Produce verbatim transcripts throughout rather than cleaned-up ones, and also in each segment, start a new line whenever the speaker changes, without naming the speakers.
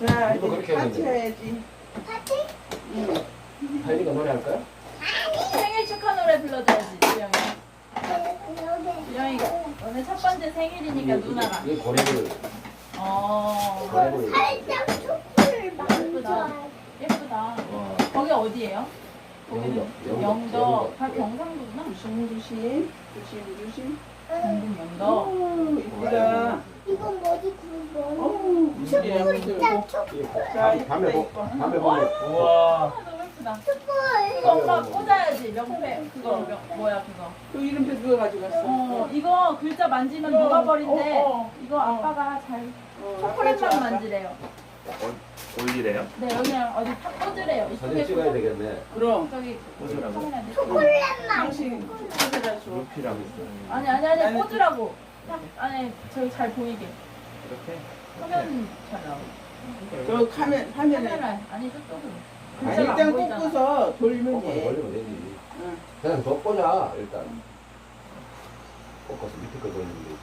자,
우리도 그렇게
이제 파티
했는데.
해야지.
파티?
응.
하이리가 노래할까요?
생일 축하 노래 불러줘야지, 주영이.
여기.
주영이가 오늘 첫 번째 생일이니까 누나가.
이 고래를
어,
고래를
살짝 초코를
예쁘다.
만져.
예쁘다.
와,
거기 어디예요? 거기는
영덕, 영덕,
영덕.
영덕.
다 경상도구나.
조심, 조심. 조심, 조심.
경북 영덕.
오, 이쁘다.
이건 뭐지? 그거 뭐?
오, 이쁘다.
초콜릿, 초콜릿.
자,
밤에 보
이거.
밤에 보면
우와.
아, 너무 예쁘다.
초콜릿.
그거 엄마 꽂아야지. 명패. 그거 명, 뭐야 그거.
또 이름표 누가 가져갔어?
어, 이거 글자 만지면 녹아버린대.
어, 어.
이거 아빠가 잘
어,
초콜릿만
아빠.
만지래요.
올리래요?
네, 여기 어디 탁 꽂으래요.
사진
이쪽에
찍어야
꽂아.
되겠네.
그럼.
저기
꽂으라고?
카메라 내.
초콜릿만.
당신 초콜릿 줘.
루피라고 있어요.
아니 아니 아니
나는
꽂으라고. 딱 안에 저기 잘 보이게.
이렇게?
화면 잘 나오게.
저 카메, 화면에.
카메라 아니 저쪽으로.
아니,
글자가 안
일단
보이잖아.
꽂고서 돌리면
꺾어서
돼.
돌리면 되지.
응.
그냥 더 꽂아 일단. 꺾어서 밑에 거 돌리면 되지.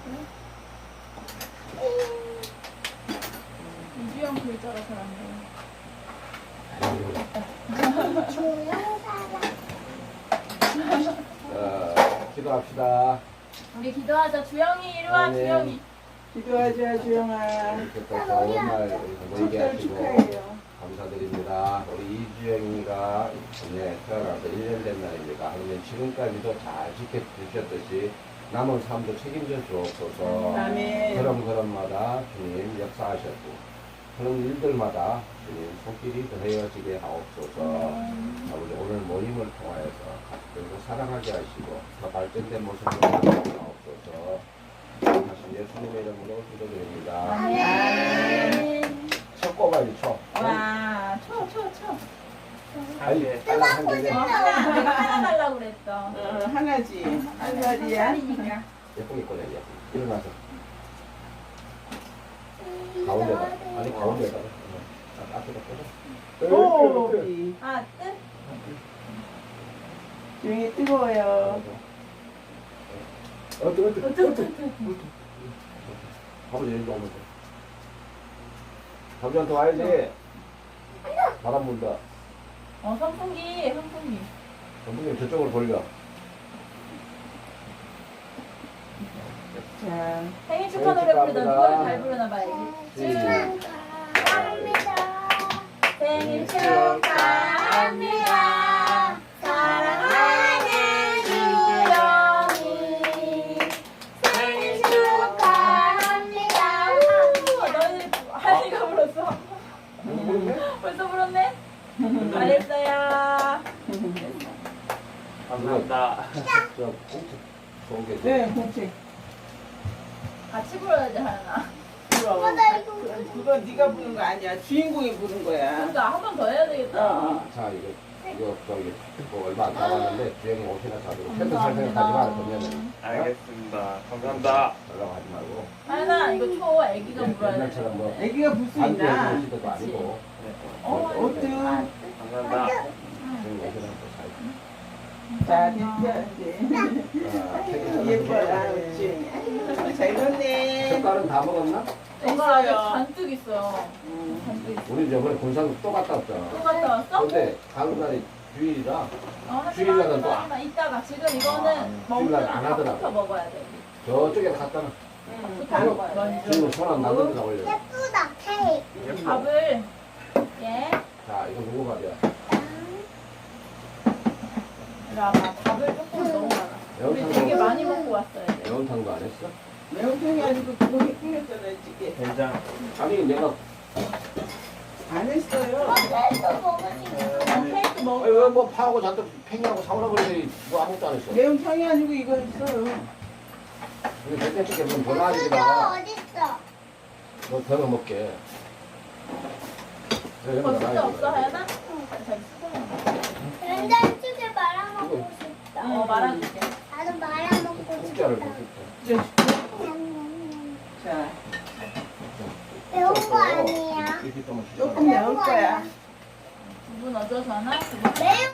이주영 글자가 잘 안 보여.
아이고.
조영사랑.
자, 기도합시다.
우리 기도하자. 주영이 이리 와.
네.
주영이.
기도하자, 주영아.
이렇게 또 좋은 날 보이게
축하를
하시고
축하해요.
감사드립니다. 우리 이주영이가 네, 태어나서 일 년 된 날입니다. 하나님 지금까지도 잘 지켜주셨듯이 남은 삶도 책임져 주옵소서.
아멘.
그런 그런마다 주님 역사하셨고 그런 일들마다 주님 손길이 더해지게 하옵소서. 아버지 오늘 모임을 통하여서 가족들도 사랑하게 하시고 더 발전된 모습으로 나옵소서. 하신 예수님의 이름으로 기도드립니다.
아멘.
첫 꼬가지 쳐.
와, 쳐, 쳐, 쳐.
아니,
네.
하나 한
어,
개네.
하나, 내가 하나 달라고 그랬어.
어, 하나지. 한 살이야.
살이니까.
예쁘게 꺼내야 일어나서 가운데다. 아니 가운데다가. 어, 앞에다 꽂아.
오,
그렇게, 그렇게.
이.
아, 뜻?
주영이 뜨거워요.
어, 뜨거, 뜨거,
어,
뜨거,
뜻,
뜨거.
뜻, 뜻.
아버지 일로 오면서. 잠시만 더 와야지. 바람 분다.
어, 선풍기, 선풍기.
선생님 저쪽으로 돌려.
자,
생일 축하 노래
축하합니다.
부르던 노래 잘 부르나 봐야지.
축하합니다.
생일 축하합니다. 사랑하는 주영이. 생일 축하합니다. 우, 너희 하니가 불렀어.
모르겠네?
벌써 불렀네? 잘했어요.
감사합니다.
저 공책 좋은 게.
네, 공책.
같이 불러야지, 하나.
그럼.
어, 나 이거
그- 그거 네가 부른 거 아니야. 주인공이 부른 거야.
그러니까 한 번 더 해야 되겠다.
어.
자 이거 이거 저기 뭐 얼마 안 남았는데 주영이 옷이나 사주고 팬트 살 생각하지 마 그러면은
알겠습니다. 감사합니다.
연락 하지 말고
하나, 이거 초 애기가 불어야 돼.
옛날처럼 뭐
애기가 불 수
안돼
있나?
옷이도 아니고
어,
어때?
감사합니다.
주영이 옷이나 또 사고.
자, 됐죠, 이제.
아, 책임져.
예뻐라, 그렇지. 잘 넣네.
젓갈은 다 먹었나?
엄마 아직
있어요.
잔뜩 있어.
음.
잔뜩 있어.
우리 저번에 군산 또 갔다
또
왔잖아.
갔다 왔어?
근데 가는 날이 주일이라
어, 하지마,
주일날은 또
하지마, 하지마. 이따가 지금 이거는 먹을
주일날 안 하더라고.
밥부터 먹어야 돼.
저쪽에 갔다가
음,
밥부터 먹어야 돼.
먼저.
지금 손안 닿는 데다 올려.
예쁘다. 케이크.
예뻐.
밥을 예.
자 이거 누구 밥이야?
이리 와봐. 밥을 조금 너무 많아. 우리
매운탕도
되게 많이 먹고 왔어야 돼.
매운탕도 안 했어?
매운탕이 아니고 그거 끓였잖아, 찌개.
된장.
아니 내가
안 했어요.
케이크 먹으니까.
어, 케이크 먹어.
아니 왜뭐 파하고 잔뜩 팽이하고 사오라 그러더니 뭐 아무것도 안 했어.
매운탕이 아니고 이거 했어요.
우리 백대찌개 무슨 더
수저
나아지다가
어딨어?
너 더러 먹게. 그래,
거
여기다
진짜
놔야지.
없어, 하연아? 자기 수저는.
된장찌개 말아먹고 싶다.
어, 말아줄게.
나도 말아먹고
국자를
싶다.
먹겠다.
자,
매운 거 아니야?
이렇게 또
조금 매울 거야.
두분 어쩌서 하나?
매운